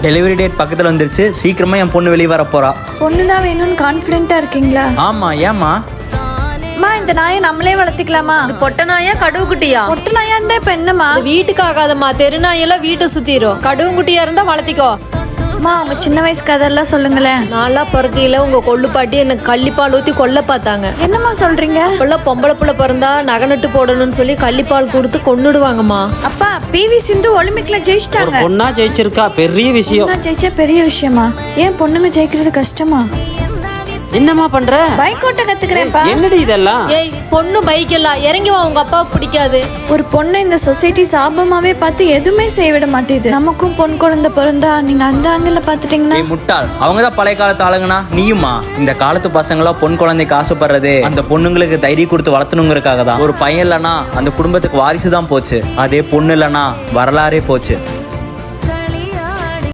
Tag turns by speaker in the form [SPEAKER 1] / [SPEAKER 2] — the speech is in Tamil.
[SPEAKER 1] டெலிவரி டேட் பக்கத்தில் வந்துருச்சு, சீக்கிரமா என் பொண்ணு வெளியே வர போறா.
[SPEAKER 2] பொண்ணு தான் வேணும்னு கான்ஃபிடென்ட்டா இருக்கீங்களா?
[SPEAKER 1] ஆமா, ஏமா?
[SPEAKER 2] அம்மா, இந்த நாயை நம்மளே வளர்த்திக்கலாமா?
[SPEAKER 3] பொட்ட நாயா கடுவு குட்டியா?
[SPEAKER 2] பொட்டு நாயா இருந்தா இப்ப என்னம்மா?
[SPEAKER 3] வீட்டுக்கு ஆகாதம்மா, தெரு நாயெல்லாம் வீட்டை சுத்திரும். கடுவு குட்டியா இருந்தா வளர்த்திக்கோ.
[SPEAKER 2] அம்மா, உங்க சின்ன வயசு கதெல்லாம் சொல்லுங்களேன்.
[SPEAKER 3] நான்லாம் பிறக்கையில உங்க கொள்ளு பாட்டி எனக்கு கள்ளிப்பால் ஊத்தி கொல்ல பார்த்தாங்க.
[SPEAKER 2] என்னம்மா சொல்றீங்க?
[SPEAKER 3] இப்பெல்லாம் பொம்பளை புள்ள பிறந்தா நகை நட்டு போடணும்னு சொல்லி கள்ளிப்பால் கொடுத்து கொன்னுடுவாங்கம்மா.
[SPEAKER 2] அப்பா, பிவி சிந்து ஒலிம்பிக்ல ஜெயிச்சிட்டாங்க.
[SPEAKER 4] பொண்ணா ஜெயிச்சிருக்கா, பெரிய விஷயம்.
[SPEAKER 2] பொண்ணா ஜெயிச்சா பெரிய விஷயமா? ஏன் பொண்ணுங்க ஜெயிக்கிறது கஷ்டமா?
[SPEAKER 4] என்னம்மா பண்ற?
[SPEAKER 2] பைக் ஓட்ட கத்துக்கிறேன்ப்பா.
[SPEAKER 4] என்னடி இதெல்லாம்?
[SPEAKER 3] ஏய், பொண்ணு பைக் எல்லாம் இறங்கி வா, உங்க அப்பாவுக்கு பிடிக்காது.
[SPEAKER 2] ஒரு பொண்ணை இந்த சொசைட்டி சாபமாவே பார்த்து எதுவுமே செய்ய விட மாட்டேது. நமக்கும் பொன் குழந்தை பிறந்தா நீங்க அந்த ஆங்கில பாத்துட்டீங்கன்னா?
[SPEAKER 1] ஏய் முட்டாள், அவங்க தான் பழைய காலத்து ஆளுங்கனா, நீயுமா? இந்த காலத்து பசங்களா பொன் குழந்தைக்கு ஆசைப்படுறது அந்த பொண்ணுங்களுக்கு தைரியம் கொடுத்து வளர்த்தணுங்கிறதுக்காக தான். ஒரு பையன் இல்லைன்னா அந்த குடும்பத்துக்கு வாரிசு தான் போச்சு, அதே பொண்ணு இல்லைன்னா வரலாறே போச்சு.